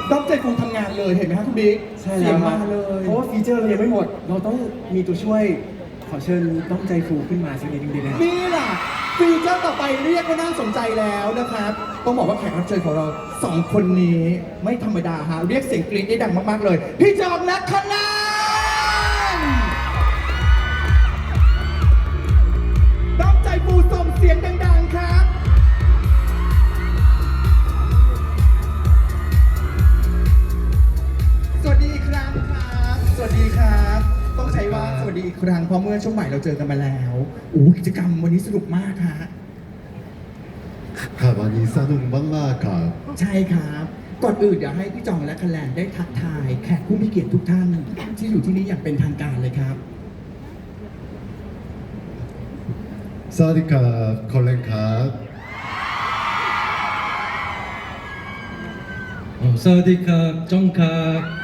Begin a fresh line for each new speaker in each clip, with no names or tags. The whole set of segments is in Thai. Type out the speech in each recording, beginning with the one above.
ต้องใจฟูทำงานเลยเห็นไหมครับคุณบิ๊ก
ใช่
เสี
แล้
ยว ง
ครั
มา
บ
เลย
เพราะว่าฟีเจอร์เรายังไม่หมด เราต้องมีตัวช่วยขอเชิญต้องใจฟูขึ้นมาสักนิดนึงดีไหมครับ
นี่แหละฟีเจอร์ต่อไปเรียกว่าน่าสนใจแล้วนะครับต้องบอกว่าแขกรับเชิญของเราสองคนนี้ไม่ธรรมดาฮะเรียกเสียงกรี๊ดได้ดังมากๆเลยพี่จอมและคณะต้องใจฟูส่งเสียงดังๆครับ สวัสดีอีกครั้งครับ สวัสดีครับ ต้องใช้ว่าสวัสดีอีกครั้งเพราะเมื่อช่วงใหม่เราเจอกันมาแล้วกิจกรรมวันนี้สนุกมากฮะ
ครับวันนี้สนุกมากๆครับ
ใช่ครับ ก่อนอื่นอยากให้พี่จองและคะแนนได้ทักทายแขกผู้มีเกียรติทุกท่านที่อยู่ที่นี่อย่างเป็นทางการเลยครับ
สวัสดีครับคอลเลนครับ
สวัสดีครับจงครับ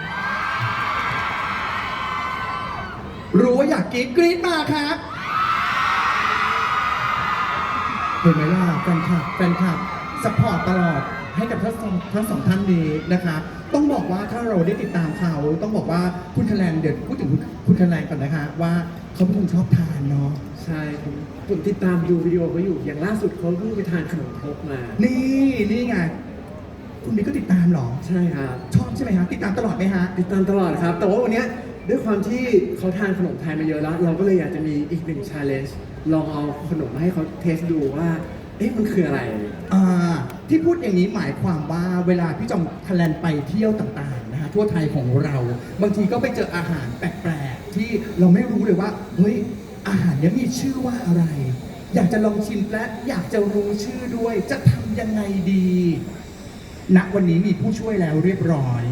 รู้ว่าอยากกรี๊ดมาครับเห็นไหมล่ะแฟนคลับสปอร์ตตลอดให้กับทั้งสองท่านนี้นะครับต้องบอกว่าถ้าเราได้ติดตามเขาต้องบอกว่าคุณคะแนนเดี๋ยวพูดถึงคุณคะแนนก่อนนะคะว่าเขาเป็นคนชอบทานเนาะ
ใช่ผมติดตามดูวิดีโอเขาอยู่ อย่างล่าสุดเขาเพิ่งไปทานขนมครกมา
นี่ไงคุณบิ๊กก็ติดตามเหรอ
ใช่ครับ
ชอบใช่ไหมฮะติดตามตลอดไหมฮะ
ติดตามตลอดครับ แต่ว่าวันเนี้ยด้วยความที่เขาทานขนมไทยมาเยอะแล้ว เราก็เลยอยากจะมีอีกหนึ่ง challenge ลองเอาขนมมาให้เขาเทสดูว่า เอ๊ะมันคืออะไร
ที่พูดอย่างนี้หมายความว่าเวลาพี่จอมคะแนนไปเที่ยวต่างๆนะฮะทั่วไทยของเราบางทีก็ไปเจออาหารแปลกๆที่เราไม่รู้เลยว่าเฮ้ยอาหารเนี้ยมีชื่อว่าอะไร อยากจะลองชิมและอยากจะรู้ชื่อด้วยจะทำยังไงดีณวันนี้มีผู้ช่วยแล้วเรียบร้อย